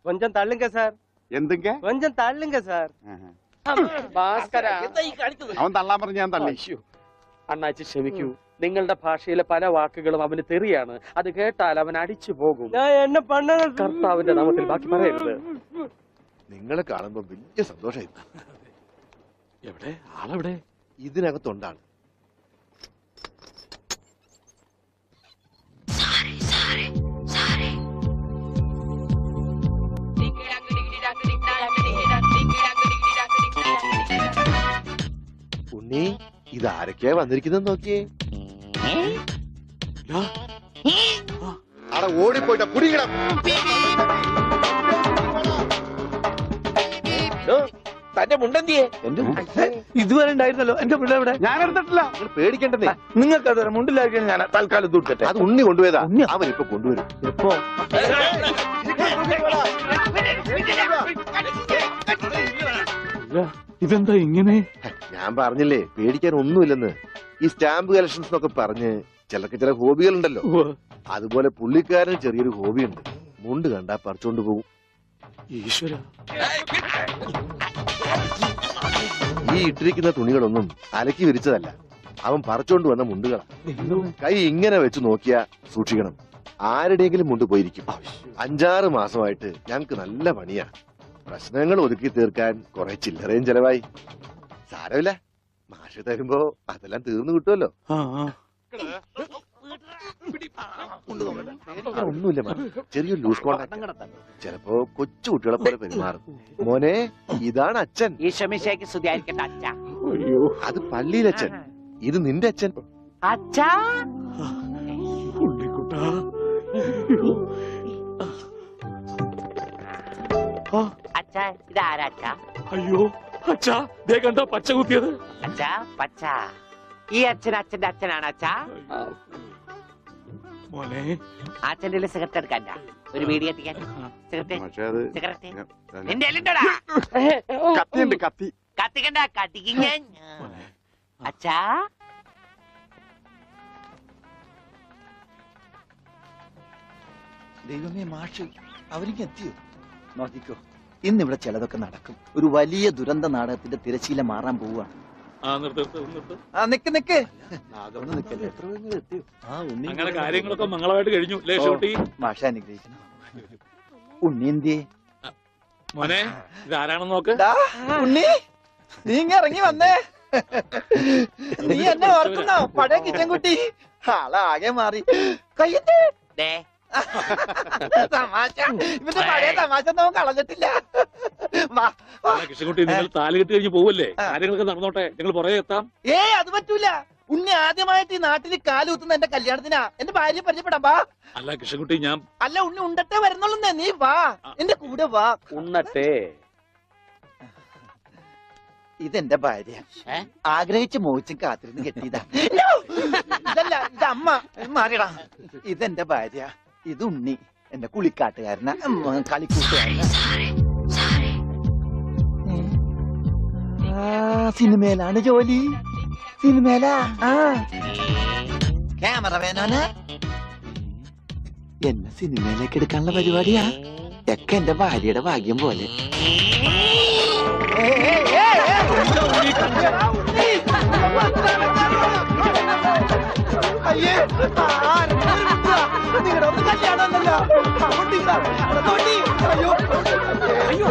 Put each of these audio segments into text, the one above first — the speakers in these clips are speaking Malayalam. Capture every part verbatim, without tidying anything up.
கொஞ்சம் தள்ளுங்க சார். എന്തൊക്കെ கொஞ்சம் தள்ளுங்க சார். ഭാസ്കര, അവൻ തള്ളാൻ പറഞ്ഞ ഞാൻ തള്ളി. അണ്ണാച്ചി ക്ഷമിക്കൂ. നിങ്ങളുടെ ഭാഷയിലെ പല വാക്കുകളും അവന് തെറിയാണ്. അത് കേട്ടാൽ അവൻ അടിച്ചു പോകും. ഞാൻ എന്നെ പണ്ണ കർത്താവിന്റെ നാമത്തിൽ ബാക്കി പറയരുത്. നിങ്ങളെ കാണുമ്പോ വലിയ സന്തോഷമായി. എവിടെ ആളെവിടെ? ഇതിനകത്തുണ്ടാണ്. ഉണ്ണി, ഇതാരൊക്കെയാ വന്നിരിക്കുന്നത് നോക്കിയേ. അവിടെ ഓടിപ്പോയിട്ട കുടിക്കണം. തന്റെ മുണ്ടെന്തിയെ? ഇതുവരെ ഉണ്ടായിരുന്നല്ലോ എന്റെ പിള്ള ഇവിടെ. ഞാൻ എടുത്തിട്ടില്ല. നിങ്ങൾ പേടിക്കണ്ടേ. നിങ്ങൾക്ക് അത് മുണ്ടിലായിരിക്കും. ഞാൻ തൽക്കാലം തൂക്കട്ടെ. അത് ഉണ്ണി കൊണ്ടുപോയതാ. അവൻ ഇപ്പൊ കൊണ്ടുവരും. എപ്പോ? ഇതെന്താ ഇങ്ങനെ? ഞാൻ പറഞ്ഞില്ലേ പേടിക്കാൻ ഒന്നുമില്ലെന്ന്. ഈ സ്റ്റാമ്പ് കളക്ഷൻസ് എന്നൊക്കെ പറഞ്ഞ് ചിലർക്ക് ചില ഹോബികളുണ്ടല്ലോ. അതുപോലെ പുള്ളിക്കാരന് ചെറിയൊരു ഹോബിയുണ്ട്. മുണ്ട് കണ്ടാ പറിച്ചോണ്ട് പോകും. ഈശ്വര, ഈ ഇട്ടിരിക്കുന്ന തുണികളൊന്നും അലക്കി വിരിച്ചതല്ല. അവൻ പറിച്ചോണ്ട് വന്ന മുണ്ടുകളാ. കൈ ഇങ്ങനെ വെച്ച് നോക്കിയാ സൂക്ഷിക്കണം, ആരുടെയെങ്കിലും മുണ്ട് പോയിരിക്കും. അഞ്ചാറ് മാസമായിട്ട് ഞങ്ങക്ക് നല്ല പണിയാ. പ്രശ്നങ്ങൾ ഒതുക്കി തീർക്കാൻ കുറെ ചില്ലറയും ചെലവായി. സാരമില്ല, മാഷ് തരുമ്പോ അതെല്ലാം തീർന്നു കിട്ടുമല്ലോ. ഒന്നുമില്ല, ചെറിയൊരു ലൂസ് കോണ്ടാക്ട്. ചിലപ്പോ കൊച്ചു കുട്ടികളെ പോലെ പെരുമാറും. മോനെ, ഇതാണ് അച്ഛൻ. ഈശോമിശിഹായ്ക്ക് സ്തുതിയായിരിക്കട്ടെ അച്ഛാ. അത് പള്ളിയിലച്ഛൻ, ഇത് നിന്റെ അച്ഛൻ. അച്ഛാ, അച്ഛാ ഇതാരാ അച്ഛാ? അയ്യോ അച്ഛാ, ദേ കണ്ടോ പച്ച കുത്തിയത്? അച്ഛാ പച്ച. ഈ അച്ഛൻ അച്ഛന്റെ അച്ഛനാണ് അച്ഛാ. മോനെ, അച്ഛന്റെ സിഗരറ്റ് എടുക്കാൻ ഒരു വീടി കത്തിക്കാൻ. സിഗരറ്റ് പക്ഷെ അത് സിഗരറ്റ് നിന്റെ എല്ലുണ്ടോടാ? കത്തിയുണ്ട്, കത്തി. കത്തിക്കണ്ട, കത്തിക്കും ഞാൻ. അച്ഛാ, ദൈവമേ, മാഷ് അവർക്ക് എത്തിയോ? നോക്കിക്കോ, ഇന്നിവിടെ ചിലതൊക്കെ നടക്കും. ഒരു വലിയ ദുരന്ത നാടകത്തിന്റെ തിരശീല മാറാൻ പോവുകയാണ്. ആ നിക്ക് നിക്ക് അങ്ങനെ കാര്യങ്ങളൊക്കെ മംഗളമായിട്ട് കഴിഞ്ഞു. മാഷ അനുഗ്രഹിക്കണം. ഉണ്ണി എന്തിയെ? മോനെ, ഇതാരാണെന്ന് നോക്ക്. ഉണ്ണി, നീ ഇങ്ങ ഇറങ്ങി വന്നേ. നീ എന്നെ ഓർക്കുന്നോ? പഴയ കിച്ചൻ കുട്ടി ആളാകെ മാറി. കയ്യത്തെ തമാശ, ഇവന്റെ പഴയ തമാശ നമുക്ക് കളഞ്ഞിട്ടില്ല. കൃഷ്ണൻകുട്ടി, നിങ്ങൾ താലി കെട്ടി കഴിഞ്ഞ് പോവല്ലേ? കാര്യങ്ങളൊക്കെ നടന്നോട്ടെ, ഞങ്ങൾ പുറകെ എത്താം. ഏ അത് പറ്റൂല. ഉണ്ണി ആദ്യമായിട്ട് ഈ നാട്ടിൽ കാലുകുത്തുന്ന എന്റെ കല്യാണത്തിനാ. എന്റെ ഭാര്യ പരിചയപ്പെടാം, വാ. അല്ല കൃഷ്ണൻകുട്ടി, ഞാൻ അല്ല ഉണ്ണി ഉണ്ടട്ടെ വരുന്നുള്ളൂ. നീ വാ, എന്റെ കൂടെ വാ. ഉണ്ണട്ടെ. ഇതെന്റെ ഭാര്യ, ആഗ്രഹിച്ച് മോഹിച്ചും കാത്തിരുന്ന് കെട്ടിയതാ. ഇതല്ല, ഇത് അമ്മ. മാറിയടാ. ഇതെന്റെ ഭാര്യ, ഇത് ഉണ്ണി, എന്റെ കുളിക്കാട്ടുകാരനാ, കളിക്കൂട്ടുകാരനാ. സിനിമയിലാണ് ജോലി. സിനിമയിലാ. ക്യാമറമാനാണ്. എന്നെ സിനിമയിലേക്ക് എടുക്കാനുള്ള പരിപാടിയാ. ഒക്കെ എന്റെ ഭാര്യയുടെ ഭാഗ്യം പോലെ. അയ്യേ, നിങ്ങളുടെ ഒന്ന് കല്യാണമല്ലോ. അയ്യോ അയ്യോ,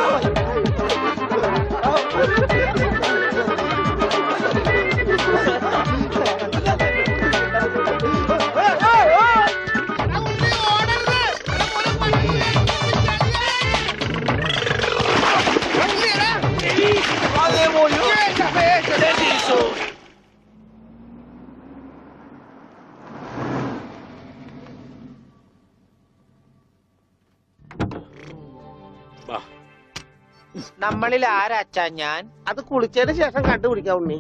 നമ്മളിൽ ആരാച്ചാ ഞാൻ? അത് കുളിച്ചതിന് ശേഷം കണ്ടുപിടിക്കാം ഉണ്ണി.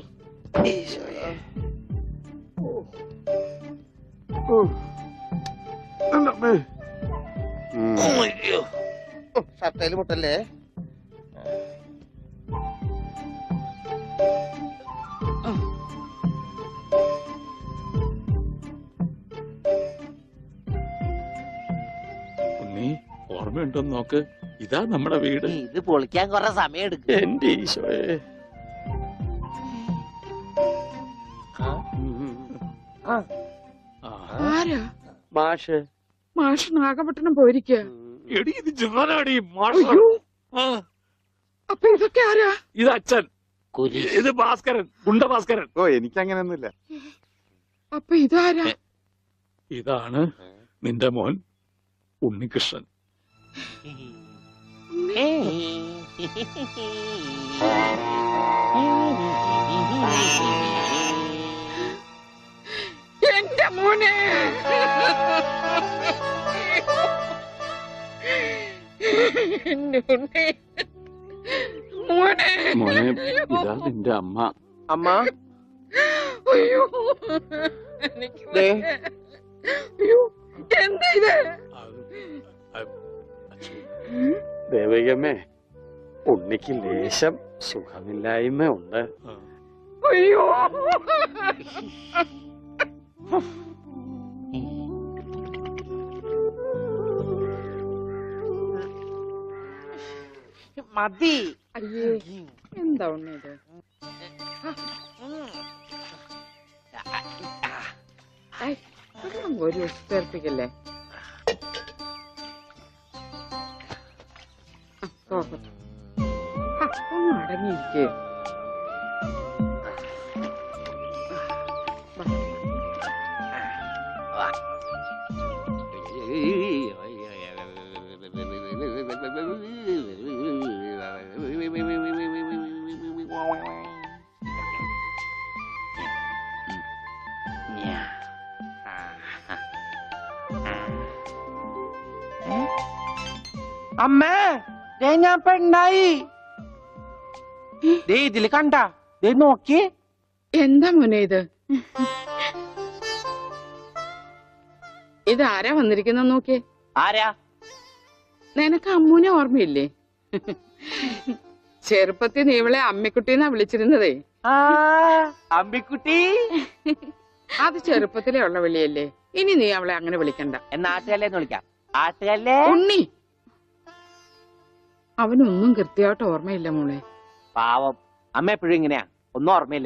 ഷർട്ടയില് മുട്ടല്ലേ? ഉണ്ണി, ഓർമ്മയുണ്ടോന്ന് നോക്ക്. ഇതാ നമ്മുടെ വീട്. ഇത് പൊളിക്കാൻ കുറെ സമയം എടുക്കും. എന്റെ ഈശോയെ. ആരാ? മാഷ്. മാഷ് നാഗപട്ടണം പോയിരിക്ക. എടി ഇത് ഞാനാടി മാഷ. ആ, അപ്പൊ ഇതൊക്കെ ആരാ? ഇത് അച്ഛൻ, കുരി ഇത് ഭാസ്കരൻ, ഗുണ്ട ഭാസ്കരൻ. ഓ എനിക്കങ്ങനെയൊന്നുമില്ല. അപ്പൊ ഇതാരാ? ഇതാണ് നിന്റെ മോൻ ഉണ്ണികൃഷ്ണൻ. എന്റെ മോനെ. എന്റെ ഉണ്ണി. മോനെ. മോനെ, ഇതാ നിന്റെ അമ്മ. അമ്മ അയ്യോ, എനിക്ക് വയ്യ. അയ്യോ, എന്താ ഇത്? ദേവികമ്മേ, ഉണ്ണിക്ക് ലേശം സുഖമില്ലായ്മ ഉണ്ട്. അയ്യോ. മതി. അയ്യേ, എന്താ ഉണ്ണി ഇത്? ഐ, വെള്ളം ഒരു ചേർപ്പിക്കല്ലേ. ഒന്ന് അടങ്ങിയിരിക്കേ. അമ്മേ, ദേ ഞാൻ പെണ്ണായി. ദേ ഇതില് കണ്ട, ദേ നോക്കി. എന്താ മോനെ ഇത്? ഇത് ആരാ വന്നിരിക്കുന്ന നോക്കിയേ. ആരാ? നിനക്ക് അമ്മൂനെ ഓർമ്മയില്ലേ? ചെറുപ്പത്തിൽ നീ ഇവളെ അമ്മിക്കുട്ടിന്നാ വിളിച്ചിരുന്നതേ. ആ അമ്പിക്കുട്ടി. അത് ചെറുപ്പത്തിലേ ഉള്ള വിളിയല്ലേ. ഇനി നീ അവളെ അങ്ങനെ വിളിക്കണ്ട. എന്നാ ആട്ടുകല്ലേന്ന് വിളിക്കാം. ആട്ടുകല്ലേ. ഉണ്ണി. അവനൊന്നും കൃത്യമായിട്ട് ഓർമ്മയില്ല മോളെ. പാവം അമ്മ എപ്പോഴും ഇങ്ങനെയാ, ഒന്നും ഓർമ്മയില്ല.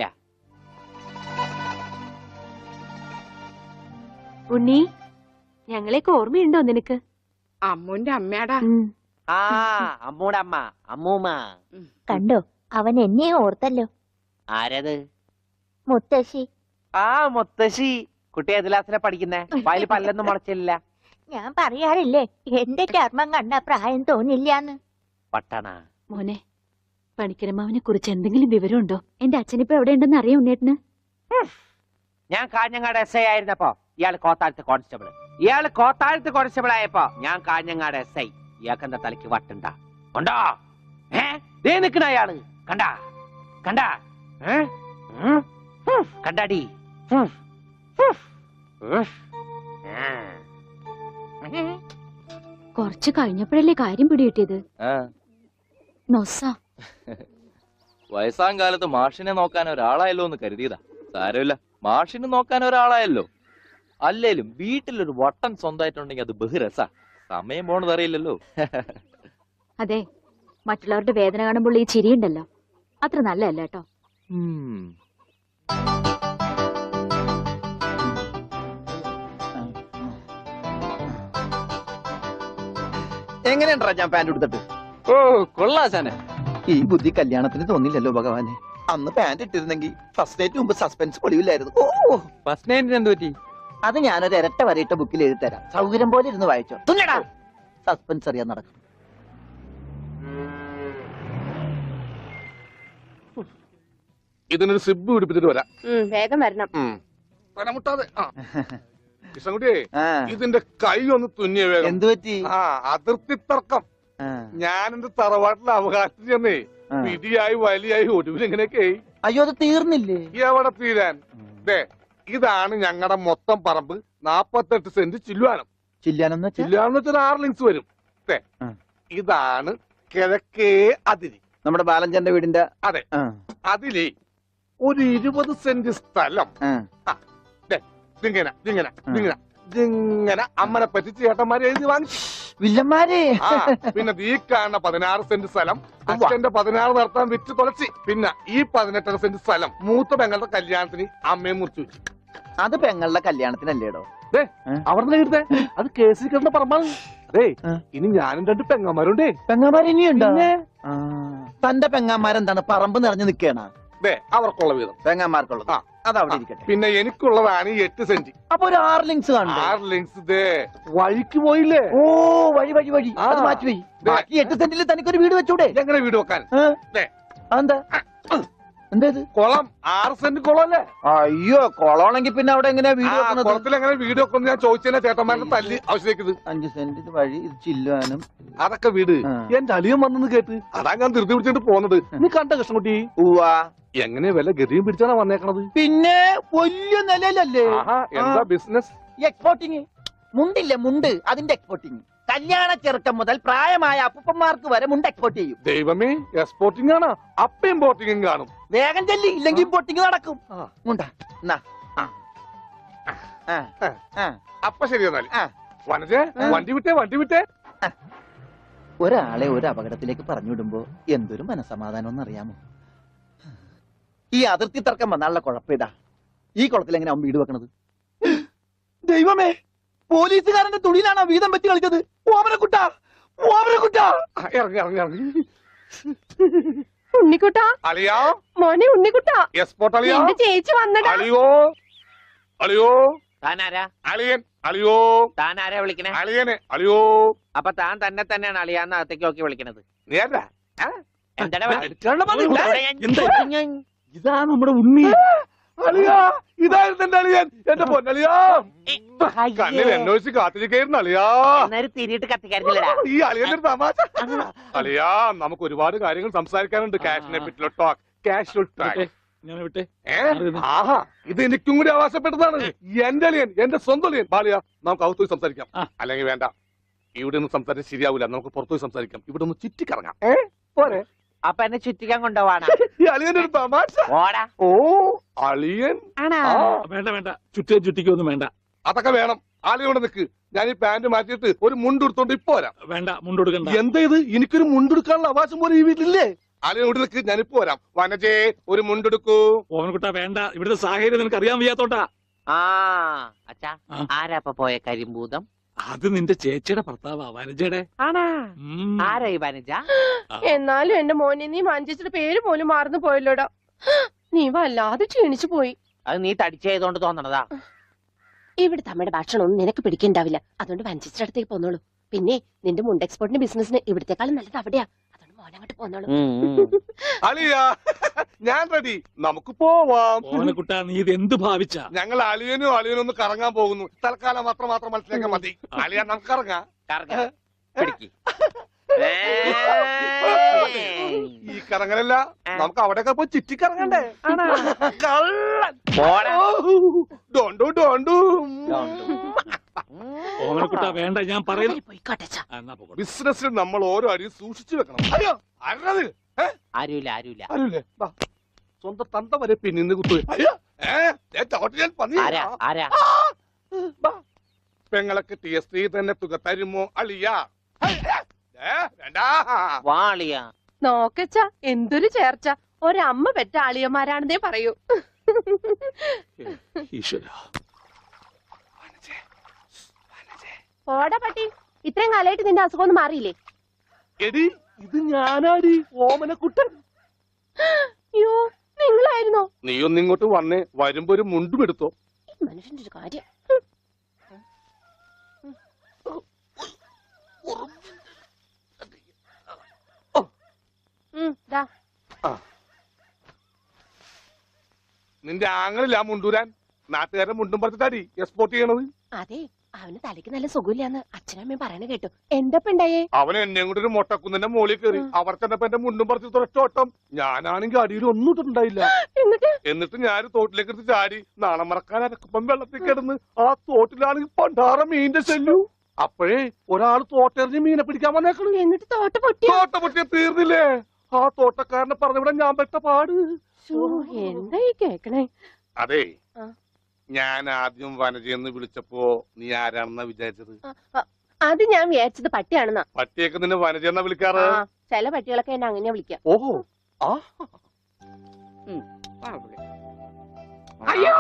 ഉണ്ണി, ഞങ്ങളെയൊക്കെ ഓർമ്മയുണ്ടോ നിനക്ക്? അമ്മൂന്റെ അമ്മയാടാ. ആ അമ്മൂടെ അമ്മ, അമ്മൂമ്മ. കണ്ടോ, അവൻ എന്നെ ഓർത്തല്ലോ. ആരത്? മുത്തശ്ശി. ആ മുത്തശ്ശി. കുട്ടി ഏത് ക്ലാസ്സിലാ പഠിക്കുന്നേ? വായില് പല്ലൊന്നും മുളച്ചില്ല. ഞാൻ പറയാറില്ലേ, എന്റെ ചർമ്മം കണ്ട പ്രായം തോന്നില്ലാന്ന്. പട്ടണ മോനെ, പണിക്കരമാവിനെ കുറിച്ച് എന്തെങ്കിലും വിവരമുണ്ടോ? എന്റെ അച്ഛനിപ്പോ എവിടെ ഉണ്ടെന്ന് അറിയാം ഉണ്ണേട്ടന്? ഞാൻ കാഞ്ഞങ്ങാട് എസ് ഐ ആയിരുന്നപ്പോ ഇയാള് കോത്താഴത്ത് കോൺസ്റ്റബിൾ. ഇയാള് കോത്താഴത്ത് കോൺസ്റ്റബിൾ ആയപ്പോ ഞാൻ കാഞ്ഞങ്ങാട് എസ് ഐ. ഇയാൾക്ക് എന്താ തലയ്ക്ക് വട്ടുണ്ടാ? ഉണ്ടോ? ഏ ദേ നിക്കണ അയാള്. കണ്ടാ കണ്ടാ ഏ കണ്ടാടി. കുറച്ച് കഴിഞ്ഞപ്പോഴല്ലേ കാര്യം പിടികിട്ടിയത്. നൊസ. വയസ്സാം കാലത്ത് മാഷിനെ നോക്കാൻ ഒരാളായല്ലോ എന്ന് കരുതിയതാ. സാരമില്ല, മാഷിന് നോക്കാൻ ഒരാളായല്ലോ. അല്ലേലും വീട്ടിലൊരു വട്ടൻ സ്വന്തമായിട്ടുണ്ടെങ്കിൽ അത് ബഹുരസ. സമയം പോണത് അറിയില്ലല്ലോ. അതെ, മറ്റുള്ളവരുടെ വേദന കാണുമ്പോൾ ഈ ചിരിയുണ്ടല്ലോ, അത്ര നല്ലതല്ല കേട്ടോ. എങ്ങനെയുണ്ടാ ഞാൻ പാന്റ് എടുത്തിട്ട്? ഓ കൊള്ളാശാനെ. ഈ ബുദ്ധി കല്യാണത്തിന് തോന്നില്ലല്ലോ ഭഗവാനെ. അന്ന് പാന്റ് ഇട്ടിരുന്നെങ്കിൽ ഫസ്റ്റ് നൈറ്റ് മുമ്പ് സസ്പെൻസ് പൊളിവില്ലായിരുന്നു. ഓ ഫസ്റ്റ് നൈറ്റിന് എന്ത് പറ്റി? അത് ഞാനൊരു ഇരട്ട വരയിട്ട ബുക്കിൽ എഴുതി തരാം. സൗകര്യം പോലെ ഇരുന്ന് വായിച്ചോ. തുന്നടാ, സസ്പെൻസ് അറിയാൻ നടക്കും. ഇതിനൊരു സിബ് പിടിപ്പിച്ചിട്ട് വരാം. വേഗം വരണം. മുട്ടാതെ. കൃഷ്ണൻകുട്ടിയെ, ഇതിന്റെ കൈ ഒന്ന് തുന്നിയ വേഗം. എന്തു പറ്റി? ആ അതിർത്തി തർക്കം. ഞാൻ എന്റെ തറവാട്ടിലെ അവകാശം ചെന്നേ പിടിയായി വലിയായി ഒടുവിൽ ഇങ്ങനെയൊക്കെ. അയ്യോ, അത് തീർന്നില്ലേ? എവിടെ തീരാൻ? ദേ ഇതാണ് ഞങ്ങളുടെ മൊത്തം പറമ്പ്. നാപ്പത്തെട്ട് സെന്റ് ചില്ലുവാനം. ചില്ലാനം ചില്ലുവാനം വെച്ചാൽ ആറ് ലിങ്സ് വരും. ഇതാണ് കിഴക്കേ അതിരി. നമ്മുടെ ബാലഞ്ചന്റെ വീടിന്റെ. അതെ, അതിലേ ഒരു ഇരുപത് സെന്റ് സ്ഥലം ഇങ്ങനെ ഇങ്ങനെ ഇങ്ങനെ ഇങ്ങനെ അമ്മനെ പറ്റിച്ച് ചേട്ടന്മാരെ എഴുതി വാങ്ങിച്ചു. വില്ലന്മാരെ ആ പിന്നെ ഈ കാണുന്ന പതിനാറ് സെന്റ് സ്ഥലം അച്ഛന്റെ പതിനാറ് നടത്താൻ വിറ്റ് തുളച്ചി. പിന്നെ ഈ പതിനെട്ടര സെന്റ് സ്ഥലം മൂത്ത പെങ്ങളുടെ കല്യാണത്തിന് അമ്മയും മുറിച്ചു വെച്ചു. അത് പെങ്ങളുടെ കല്യാണത്തിനല്ലേടോ? അവിടെ കിട്ടേ അത് കേസിൽ കിടന്ന പറമ്പാണ്. അതെ ഇനി ഞാനും രണ്ട് പെങ്ങന്മാരുണ്ടേ. പെങ്ങന്മാർ ഇനിയുണ്ടോ? തന്റെ പെങ്ങന്മാരെന്താണ് പറമ്പ് നിറഞ്ഞു നിൽക്കണ? അവർക്കുള്ള വീതം പെങ്ങന്മാർക്കുള്ളത് അത് അവിടെ ഇരിക്കട്ടെ. പിന്നെ എനിക്കുള്ളതാണ് ഈ എട്ട് സെന്റ്. അപ്പൊ ഒരു ആറ് ലിങ്സ് കാണും. ആറ് ലിങ്സ് ദേ വഴിക്ക് പോയില്ലേ? ഓ വഴി വഴി വഴി അത് മാറ്റി പോയി. ബാക്കി എട്ട് സെന്റിൽ തനിക്കൊരു വീട് വെച്ചൂടെ? എങ്ങനെ വീട് വെക്കാൻ? എന്താ എന്തേത്? കുളം ആറ് സെന്റ് കുളം അല്ലേ? അയ്യോ കുളമാണെങ്കിൽ പിന്നെ അവിടെ എങ്ങനെയാ വീട് വെക്കുന്നത്? കുളത്തിൽ എങ്ങനെ വീട് വെക്കുന്നത് ഞാൻ ചോദിച്ചതിനെ ചേട്ടന്മാരുടെ തല്ലി ആവശ്യത്തേക്കത്. അഞ്ച് സെന്റ് വഴി ഇത് ചില്ലുവാനും അതൊക്കെ വീട് എന്റെ അളിയൻ വന്നെന്ന് കേട്ട് അതാ ഞാൻ ധൃതി പിടിച്ചിട്ട് പോന്നത്. നീ കണ്ട കൃഷ്ണൻകുട്ടി? ഉവാ. എങ്ങനെ വില ഗതിയും പിടിച്ചാണ് വന്നേക്കണത്? പിന്നെ വലിയ നിലയിലല്ലേ? എന്താ ബിസിനസ്? എക്സ്പോർട്ടിങ്. മുണ്ടില്ലേ മുണ്ട്, അതിന്റെ എക്സ്പോർട്ടിങ്. കല്യാണ ചെറുക്കം മുതൽ പ്രായമായ അപ്പൂപ്പന്മാർക്ക് വരെ മുണ്ട് എക്സ്പോർട്ട് ചെയ്യും. ദൈവമേ, എക്സ്പോർട്ടിംഗ് ആണ്. അപ്പ ഇമ്പോർട്ടിംഗും കാണും. വേഗം ചെല്ലി, ഇല്ലെങ്കിൽ ഇമ്പോർട്ടിംഗ് നടക്കും. അപ്പൊ ശരി എന്നാൽ വനജേ വണ്ടി വിട്ടേ വണ്ടി വിട്ടേ. ഒരാളെ ഒരു അപകടത്തിലേക്ക് പറഞ്ഞുവിടുമ്പോ എന്തൊരു മനസമാധാനം എന്നറിയാമോ? ഈ അതിർത്തി തർക്കം വന്നാലുള്ള കുഴപ്പമിതാ. ഈ കുളത്തിൽ എങ്ങനെ അവൻ വീട് വെക്കണത്? ദൈവമേ, പോലീസുകാരന്റെ തുണിയിലാണ് വീതം വെച്ച് കളിച്ചത്. ഓമനക്കുട്ട ഓമനക്കുട്ട ഇറങ്ങി ഇറങ്ങി ഇറങ്ങി. ഉണ്ണിക്കുട്ട അളിയാ, മോനെ ഉണ്ണിക്കുട്ട. എക്സ്പോർട്ട് അളിയാ. ചേച്ചി വന്നടാ. അളിയോ അളിയോ താനാരാ? അളിയൻ. അളിയോ താനാരാ വിളിക്കണേ? അളിയനെ. അളിയോ. അപ്പൊ താൻ തന്നെ തന്നെയാണ് അളിയാന്ന് അകത്തേക്ക് നോക്കി വിളിക്കണത്? നീ ആരാ? ഇതാ നമ്മുടെ ഉണ്ണി. അളിയാ, ഇതായിരുന്നു എന്റെ അളിയൻ. എന്റെ പൊന്നളിയാ, കണ്ണിൽ അന്വേഷിച്ച് കാത്തിരിക്കായിരുന്നു അളിയാ. തിരിയിട്ട് കത്തിക്കാരില്ലടാ ഈ അളിയന്റെ തമാശ. അളിയാ, നമുക്ക് ഒരുപാട് കാര്യങ്ങൾ സംസാരിക്കാനുണ്ട്. കാഷിനെ പറ്റിയുള്ള ടോക്ക്, കാഷ്വൽ ടോക്ക്. ആഹാ, ഇത് എനിക്കും കൂടി അവകാശപ്പെട്ടതാണ്. എന്റെ അളിയൻ, എന്റെ സ്വന്തം അളിയൻ. ബാലിയ, നമുക്ക് അകത്തു പോയി സംസാരിക്കാം. അല്ലെങ്കിൽ വേണ്ട, ഇവിടെ നിന്ന് സംസാരിച്ച് ശരിയാവില്ല. നമുക്ക് പുറത്തുപോയി സംസാരിക്കാം. ഇവിടെ ഒന്ന് ചുറ്റിക്കറങ്ങാം. ഏ പോരെ? അപ്പൊ എന്നെ ചുറ്റിക്കാൻ കൊണ്ടുപോവാണ്. ഈ അളിയന്റെ ഒരു തമാശ. ഓ അളിയൻ. വേണ്ട വേണ്ട, ചുറ്റിയും ചുറ്റിക്കൊന്നും വേണ്ട. അതൊക്കെ വേണം. ആളിയോടെ നിക്ക്. ഞാൻ ഈ പാന്റ് മാറ്റിയിട്ട് ഒരു മുണ്ടെടുത്തോണ്ട് ഇപ്പൊ വരാം. വേണ്ട, മുണ്ടെടുക്കണ്ട. എന്താ ഇത്? എനിക്കൊരു മുണ്ടെടുക്കാനുള്ള അവകാശം പോലെ ഈ വീട്ടിലില്ലേ? ആളിയോട് നിക്ക്, ഞാനിപ്പോ വരാം. വനജേ, ഒരു മുണ്ടെടുക്കൂ. ഓമനക്കുട്ടാ വേണ്ട, ഇവിടുത്തെ സാഹചര്യം നിനക്ക് അറിയാൻ വയ്യാത്തോട്ടാ. ആ അച്ഛാ, ആരാ ഇപ്പൊ പോയ കരിമ്പൂതം? അത് നിന്റെ ചേച്ചിയുടെ ഭർത്താവാ, വനജയുടെ. ആണാ? ആരാ ഈ വനജ? എന്നാലും എന്റെ മോനെ നീ മഞ്ചേച്ചിയുടെ പേര് പോലും മാറുന്നു പോയല്ലോടാ. നീ വല്ലാതെ ക്ഷീണിച്ചു പോയി. അത് നീ തടിച്ചതുകൊണ്ട് തോന്നണതാ. ഇവിടുത്തെ അമ്മയുടെ ഭക്ഷണം ഒന്നും നിനക്ക് പിടിക്കണ്ടാവില്ല. അതുകൊണ്ട് മഞ്ചേച്ചിയുടെ അടുത്തേക്ക് പോന്നോളൂ. പിന്നെ നിന്റെ മുണ്ട് എക്സ്പോർട്ടിന്റെ ബിസിനസിന് ഇവിടത്തെക്കാളും നല്ലത് അവിടെയാ. അതുകൊണ്ട് മോനങ്ങോട്ട് പോന്നോളൂ. അളിയാ, ഞാൻ റെഡി. നമുക്ക് പോവാം. ഓമനക്കുട്ടാ, നീ ഇത് എന്ത് ഭാവിച്ച? ഞങ്ങൾ അളിയനും അളിയനും ഒന്ന് കറങ്ങാൻ പോകുന്നു. തൽക്കാലം മാത്രം മാത്രം മനസ്സിലാക്കാൻ മതി. അളിയ, നമുക്ക് ഇറങ്ങാം. ഈ കറങ്ങലല്ല, നമുക്ക് അവിടെയൊക്കെ പോയി ചുറ്റിക്കറങ്ങണ്ടേ? ഡോണ്ടു ഡോണ്ടു. ഓമനക്കുട്ടാ വേണ്ട, ഞാൻ പറയുന്നു. ബിസിനസ്സിൽ നമ്മൾ ഓരോ അടിയും സൂക്ഷിച്ചു വെക്കണം. അയ്യോ, ആരത്? ആരുമില്ല ആരുമില്ല ആരുമില്ലേ? സ്വന്തം തന്ത വരെ പിന്നിന്ന് കുത്തു. അയ്യോ, പെങ്ങളൊക്കെ ടി എസ് ത്രീ തന്നെ തുക തരുമോ അളിയാ? നോക്കച്ച, എന്തൊരു ചേർച്ച. ഒരമ്മ പെറ്റ ആളിയന്മാരാണെന്നേ പറയൂ. ഓടാ പട്ടി, ഇത്രയും കാലമായിട്ട് നിന്റെ അസുഖം ഒന്നും മാറിയില്ലേ? എടി, ഇത് ഞാനാടി, ഓമനക്കുട്ടൻ. അയ്യോ, നിങ്ങളായിരുന്നോ? നീ ഒന്നിങ്ങോട്ട് വന്നേ. വരുമ്പോ ഒരു മുണ്ടും എടുത്തോ. മനുഷ്യന്റെ ഒരു കാര്യം. നിന്റെ ആങ്ങളില്ല മുണ്ടൂരാൻ. നാട്ടുകാരൻ മുണ്ടും പറിച്ചിട്ടാടി എക്സ്പോർട്ട് ചെയ്യണത്. അതെ, അവന് തലയ്ക്ക് നല്ല സുഖമില്ലാന്ന് അച്ഛനമ്മയും പറയണ കേട്ടു. എന്തപ്പ ഉണ്ടായേ? അവൻ എന്നെ കൊണ്ട് ഒരു മൊട്ടക്കുന്നിന്റെ മോളിൽ കയറി. അവർ ചെന്നപ്പോ എന്റെ മുണ്ടും പറിച്ച് തുറച്ചോട്ടം. ഞാനാണെങ്കിൽ അടിയിൽ ഒന്നും ഇട്ടിട്ടുണ്ടായില്ല. എന്നിട്ട് ഞാൻ തോട്ടിലേക്ക് എടുത്ത് ചാടി. നാണം മറക്കാൻ അരക്കുപ്പം വെള്ളത്തിൽ കിടന്ന് ആ തോട്ടിലാണെങ്കിൽ പണ്ടാറ മീനിന്റെ ചെല്ലു. അപ്പോഴേ ഒരാൾ തോട്ടെറിഞ്ഞ് മീനെ പിടിക്കാൻ വന്നേക്കണു. എന്നിട്ട് തോട്ട പൊട്ടി. തോട്ട പൊട്ടിയ തീർന്നില്ലേ? ആ തോട്ടക്കാരനെ പറഞ്ഞവിടെ ഞാൻ പെട്ട പാട്. എന്തായി കേക്കണേ? അതെ, ഞാൻ ആദ്യം വനജയെന്ന് വിളിച്ചപ്പോ നീ ആരാണെന്നാ വിചാരിച്ചത്? അത് ഞാൻ വിചാരിച്ചത് പട്ടിയാണെന്നാ. പട്ടിയൊക്കെ നിന്നെ വനജയെന്നാ വിളിക്കാറ്. ആ, ചില പട്ടികളൊക്കെ എന്നെ അങ്ങനെയാ വിളിക്കാം. ഓഹോ ആ വാ ഇവിടെ. അയ്യോ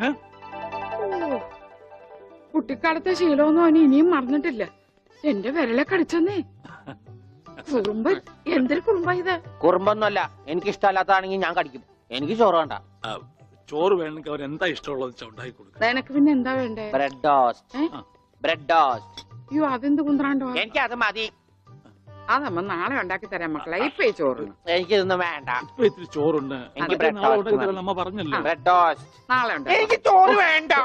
കുട്ടിക്കാലത്തെ ശീലമൊന്നും അവന് ഇനിയും മറന്നിട്ടില്ല. എന്റെ വിരലെ കടിച്ചെന്നേ. കുറുമ്പ് എന്തൊരു കുറുമ്പ ഇത്. കുറുമ്പൊന്നുമല്ല, എനിക്ക് ഇഷ്ടമല്ലാത്തതാണെങ്കിൽ ഞാൻ കടിക്കും. എനിക്ക് ചോറ് വേണ്ട. ചോറ് വേണമെങ്കിൽ അവർ എന്താ ഇഷ്ടമുള്ളത് വെച്ചാൽ ഉണ്ടാക്കി കൊടുക്കുക. നിനക്ക് പിന്നെ എന്താ വേണ്ടേ? Bread toast. Bread toast. അയ്യോ അതെന്ത് കുന്ത്രാണ്ടോ. എനിക്ക് അത് മതി. അതമ്മ നാളെ ഉണ്ടാക്കി തരാം മക്കളെ. ഇപ്പൊ ഈ ചോറ് എനിക്ക് ഇതൊന്നും വേണ്ട. ഇപ്പൊ ഇത്തിരി ചോറുണ്ട്. എനിക്ക് ബ്രെഡ് ടോസ്റ്റ്. നമ്മ പറഞ്ഞല്ലോ ബ്രെഡ് ടോസ്റ്റ് നാളെ ഉണ്ടാക്കി. എനിക്ക് ചോറ് വേണ്ട.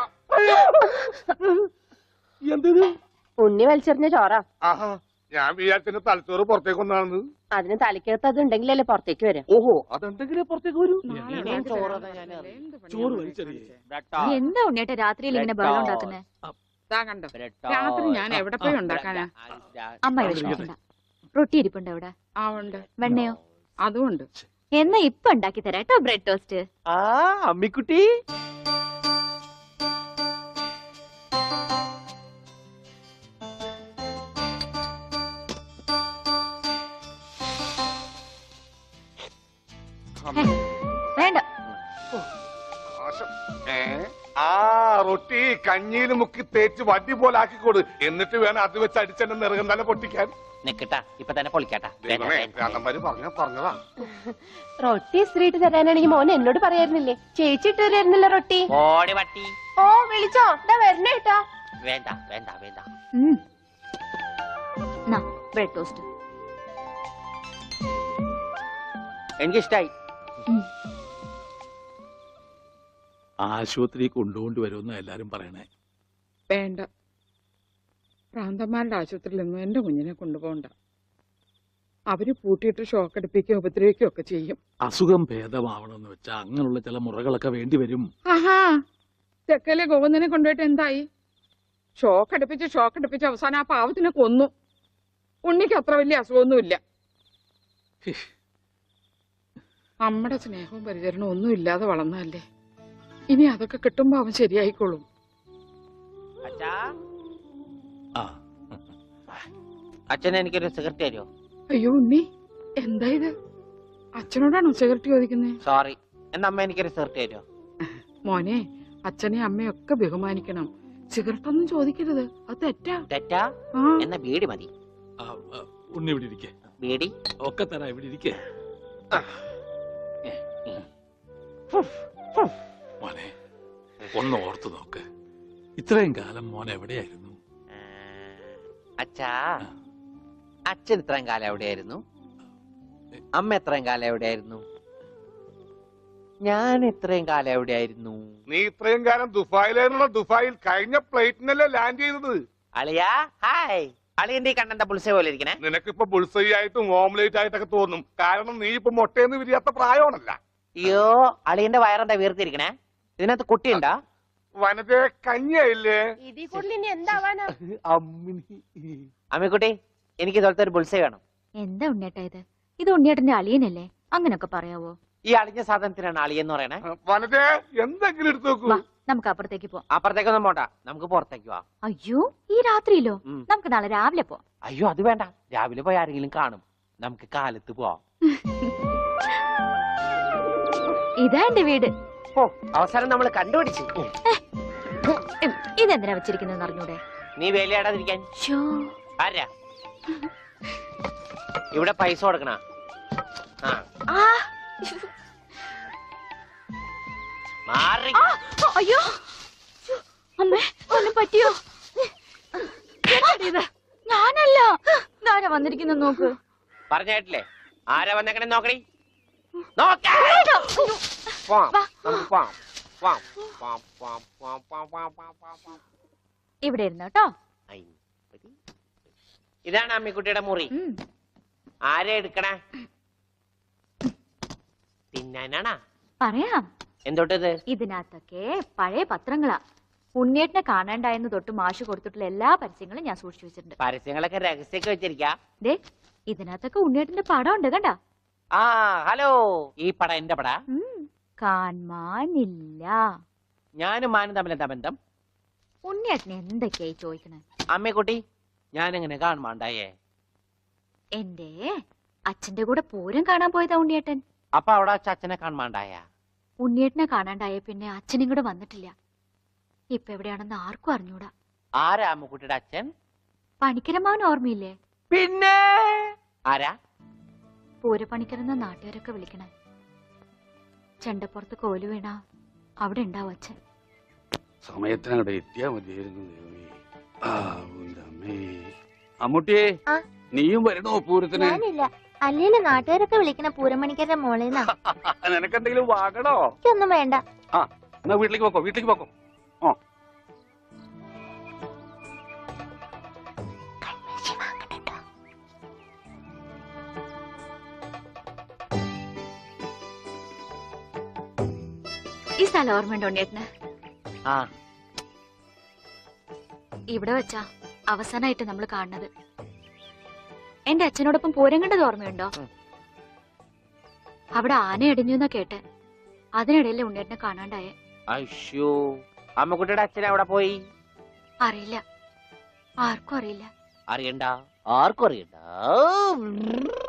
എന്തത്? ഉണ്ണി വലിച്ചെറിഞ്ഞ ചോറാ. ആഹാ, ഞാൻ വിചാരിച്ചെന്റെ തലച്ചോറ് പുറത്തേക്ക് ഒന്നാണെന്ന്. അതിന് തലയ്ക്കകത്ത് അത് ഉണ്ടെങ്കിലല്ലേ പുറത്തേക്ക് വരാം. ഓഹോ, അതെന്തെങ്കിലും പുറത്തേക്ക് വരൂ. നാളെ ഇനിയും ഉണ്ടാക്കി ചോറ് തരാം. തന്നെ ഞാൻ എന്ത് പണിയാ ചോറ് മക്കളെ വലിച്ചെറിയേ. കാണിച്ചേ? ബ്രെഡ് നീ ടോസ്റ്റ്. എന്താ ഉണ്ണിയേട്ടാ രാത്രിയിൽ ഇങ്ങനെ ബഹളം ഉണ്ടാക്കുന്നേ? ദാ കണ്ടോ, ബ്രെഡ് രാത്രി ടോസ്റ്റ്. ഞാൻ എവിടെ പോയി ഉണ്ടാക്കാനാ? അമ്മ വിഷമിക്കണ്ട. റൊട്ടി ഇരിപ്പുണ്ട് അവിടെ. ആ ഉണ്ട്, വെണ്ണയോ? അതും ഉണ്ട്. എന്നാ ഇപ്പൊ ഉണ്ടാക്കി തരാം കേട്ടോ ബ്രെഡ് ടോസ്റ്റ്. ആ അമ്മിക്കുട്ടി വേണ്ട. ആശം. ഏ? ആ റൊട്ടി കഞ്ഞിയിൽ മുക്കി തേച്ച് വടി പോലെ ആക്കിക്കോട്. എന്നിട്ട് വേണം അത് വെച്ച് അടിച്ചെന്നെ നിറകം തന്നെ പൊട്ടിക്കാൻ. നിക്കട്ടാ, ഇപ്പൊ തന്നെ പൊളിക്കട്ടാ. ദൈവമേ, ഭ്രാന്തന്മാര് പറഞ്ഞ പറഞ്ഞതാ. റൊട്ടി ഇസ്ത്രീട്ട് തരാനാണെങ്കിൽ മോൻ എന്നോട് പറയായിരുന്നില്ലേ? ചേച്ചി ഇട്ട് തരായിരുന്നില്ല റൊട്ടി. ഓടി പട്ടി. ഓ വിളിച്ചോ, ഇതാ വരണേട്ടാ. വേണ്ട വേണ്ട വേണ്ട. ബ്രെഡ് ടോസ്റ്റ് എനിക്കിഷ്ടായി. ആശുപത്രി കൊണ്ടുകൊണ്ട് വരുമെന്ന് എല്ലാരും പറയണേ. വേണ്ട, പ്രാന്തന്മാരുടെ ആശുപത്രിയിൽ നിന്നും എന്റെ കുഞ്ഞിനെ കൊണ്ടുപോകണ്ട. അവര് പൂട്ടിയിട്ട് ഷോക്ക് അടിപ്പിക്കുകയോ ഉപദ്രവിക്കുകയോ ഒക്കെ ചെയ്യും. അസുഖം ഭേദമാവണമെന്ന് വെച്ചാൽ അങ്ങനെയുള്ള ചില മുറകളൊക്കെ വേണ്ടി വരും. ആഹാ, തെക്കലെ ഗോവിന്ദനെ കൊണ്ടുപോയിട്ട് എന്തായി? ഷോക്ക് അടുപ്പിച്ച് ഷോക്ക് അടുപ്പിച്ച് അവസാനം ആ പാവത്തിനെ കൊന്നു. ഉണ്ണിക്ക് അത്ര വലിയ അസുഖമൊന്നുമില്ല. നമ്മുടെ സ്നേഹവും പരിചരണവും ഒന്നും ഇല്ലാതെ വളർന്നതല്ലേ. ഇനി അതൊക്കെ കിട്ടുമ്പോ അവൻ ശരിയായിക്കോളും. അച്ഛാ, ആ അച്ഛൻ എനിക്കൊരു സിഗരറ്റ് തരുമോ? അയ്യോ ഉണ്ണി, എന്താ ഇത്? അച്ഛനോടാണോ സിഗരറ്റ് ചോദിക്കുന്നേ? സോറി. എന്നാ അമ്മ എനിക്കൊരു സിഗരറ്റ് തരുമോ? മോനെ, അച്ഛനെ അമ്മയൊക്കെ ബഹുമാനിക്കണം. സിഗരറ്റ് ഒന്നും ചോദിക്കരുത്, അത് തെറ്റാ. തെറ്റാ? ആ, എന്നാ ബീഡി മതി. ആ, ആ, ഉണ്ണി ഇവിടെ ഇരിക്കേ. ബീഡി ഒക്കെ തരാ, ഇവിടെ ഇരിക്കേ. മോനെ ഒന്ന് ഓർത്തു നോക്ക്. ഇത്രയും കാലം മോൻ എവിടെയായിരുന്നു? അച്ഛാ, അച്ഛൻ ഇത്രയും കാലം എവിടെയായിരുന്നു? അമ്മ എത്രയും കാലം എവിടെയായിരുന്നു? ഞാൻ ഇത്രയും കാലം എവിടെയായിരുന്നു? നീ ഇത്രയും കാലം ദുബായിലായിരുന്നുള്ള ദുബായിൽ കഴിഞ്ഞ പ്ലേറ്റിനല്ലേ ലാൻഡ് ചെയ്തത്. അളിയാ ഹായ്. അളിയന്റെ ഈ കണ്ണന്റെ പുളിസ പോലെ ഇരിക്കണേ. നിനക്കിപ്പോ ബുൾസൈ ആയിട്ടും ഓംലേറ്റ് ആയിട്ടൊക്കെ തോന്നും. കാരണം നീ ഇപ്പൊ മുട്ടയെന്ന് വിരിയാത്ത പ്രായമാണല്ല. അയ്യോ, അളിയന്റെ വയറെന്താ വീർത്തിരിക്കണേ? ഇതിനകത്ത് കുട്ടിയുണ്ടാ? വനത്തെ കഞ്ഞിയായില്ലേ? ഇതിൽ കൂടുതൽ ഇനി എന്താവാനാ? അമ്മിക്കുട്ടി, എനിക്ക് ഇതുപോലത്തെ ഒരു ബുൾസൈ വേണം. എന്താ ഉണ്ണിയേട്ടാ ഇത്? ഇത് ഉണ്ണിയേട്ടന്റെ അളിയനല്ലേ? അങ്ങനൊക്കെ പറയാവോ? ഈ അളിഞ്ഞ സാധനത്തിനാണ് അളിയെന്ന് പറയണേ. വനത്തെ എന്തെങ്കിലും എടുത്തു നോക്കൂ. വാ, നമുക്ക് അപ്പുറത്തേക്ക് പോവാം. അപ്പുറത്തേക്കൊന്നും പോണ്ട, നമുക്ക് പുറത്തേക്ക് പോവാം. അയ്യോ, ഈ രാത്രിയിലോ? ഉം. നമുക്ക് നാളെ രാവിലെ പോവാം. അയ്യോ അത് വേണ്ട, രാവിലെ പോയി ആരെങ്കിലും കാണും. നമുക്ക് കാലത്ത് പോവാം. ഇതാ എന്റെ വീട്. ഓ, അവസാനം നമ്മൾ കണ്ടുപിടിച്ചു. ഉം, ഇതെന്തിനാ വെച്ചിരിക്കുന്നത് അറിഞ്ഞൂടെ? നീ വേലയാടാതിരിക്കാൻ. ശ്ശോ. ആരാ ഇവിടെ പൈസ കൊടുക്കണ? ആ ആ, മാറി. ആ, അയ്യോ, അമ്മേ, ഒന്നും പറ്റിയോ? എന്താടി ഇത്? ഞാനല്ല. ഇതാരാ വന്നിരിക്കുന്ന നോക്ക്. പറഞ്ഞിട്ടില്ലേ ആരാ വന്നേക്കണേ? നോക്കണി, നോക്കാം. വാ. പോവാം. പോവാം, പോവാം, പോവാം, പോവാം, പോവാം, പോവാം, പോവാം, പോവാം. ഇവിടെ ഇരുന്നു കേട്ടോ. ഐ, ഇതാണ് അമ്മിക്കുട്ടിയുടെ മുറി. ഉം. ആരെ എടുക്കണേ? തിന്നാനാണാ? പറയാം. എന്തോട്ടത്? ഇതിനകത്തൊക്കെ പഴയ പത്രങ്ങളാ. ഉണ്ണിയേട്ടനെ കാണാണ്ടായെന്ന് തൊട്ട് മാഷ് കൊടുത്തിട്ടുള്ള എല്ലാ പരസ്യങ്ങളും ഞാൻ സൂക്ഷിച്ചു വെച്ചിട്ടുണ്ട്. പരസ്യങ്ങളൊക്കെ രഹസ്യമൊക്കെ വെച്ചിരിക്കാ. ദേ, ഇതിനകത്തൊക്കെ ഉണ്ണിയേട്ടന്റെ പടം ഉണ്ട് കണ്ടാ. ആ ഹലോ, ഈ പടം എന്റെ പടാ. കാണാനില്ല. ഞാനും മാനും തമ്മിൽ എന്താ ബന്ധം? ഉണ്ണിയേട്ടനെ എന്തൊക്കെയായി ചോദിക്കണേ? അമ്മക്കുട്ടി, ഞാൻ എങ്ങനെ കാണുമാണ്ടായേ? എന്റെ അച്ഛന്റെ കൂടെ പൂരം കാണാൻ പോയതാ ഉണ്ണിയേട്ടൻ. അപ്പൊ അവിടെ വെച്ച് അച്ഛനെ കാണുമാണ്ടായ? ഉണ്ണിയേട്ടനെ കാണാണ്ടായ പിന്നെ അച്ഛനും കൂടെ വന്നിട്ടില്ല. ഇപ്പൊ എവിടെയാണെന്ന് ആർക്കും അറിഞ്ഞൂടാ. ആരാ അമ്മുക്കുട്ടിയുടെ അച്ഛൻ? പണിക്കരമാവൻ ഓർമ്മയില്ലേ? പിന്നെ ആരാ? പൂരപ്പണിക്കരെന്ന നാട്ടുകാരൊക്കെ വിളിക്കണേ. ചെണ്ടപ്പുറത്ത് കോല് വീണ അവിടെ ഉണ്ടാവും അച്ഛൻ. സമയത്തിനങ്ങടെ എത്തിയാ മതിയായിരുന്നു. അമ്മൂട്ടിയെ, നീയും വരണോ പൂരത്തിന്? ഞാനില്ല. അല്ലേലും നാട്ടുകാരൊക്കെ വിളിക്കണ പൂരമണിക്കരുടെ മോളേന്നാ. നിനക്കെന്തെങ്കിലും വാങ്ങണോ? ഒന്നും വേണ്ട. ആ എന്നാ വീട്ടിലേക്ക് പോക്കോ, വീട്ടിലേക്ക് പോക്കോ. ഓ ഈ സ്ഥലം ഓർമ്മയുണ്ടോ ഉണ്ണിയേട്ടന്? ആ ഇവിടെ വെച്ചാ അവസാനായിട്ട് നമ്മൾ കാണുന്നത്. എന്റെ അച്ഛനോടൊപ്പം പൂരം കണ്ടത് ഓർമ്മയുണ്ടോ? അവിടെ ആന ഇടിഞ്ഞു എന്നാ കേട്ടെ. അതിനിടയിലെ ഉണ്ണിയേട്ടനെ കാണാണ്ടായേ. അയ്യോ, അമ്മുക്കുട്ടിയുടെ അച്ഛൻ എവിടെ പോയി? അറിയില്ല, ആർക്കും അറിയില്ല. അറിയണ്ട, ആർക്കും അറിയണ്ട.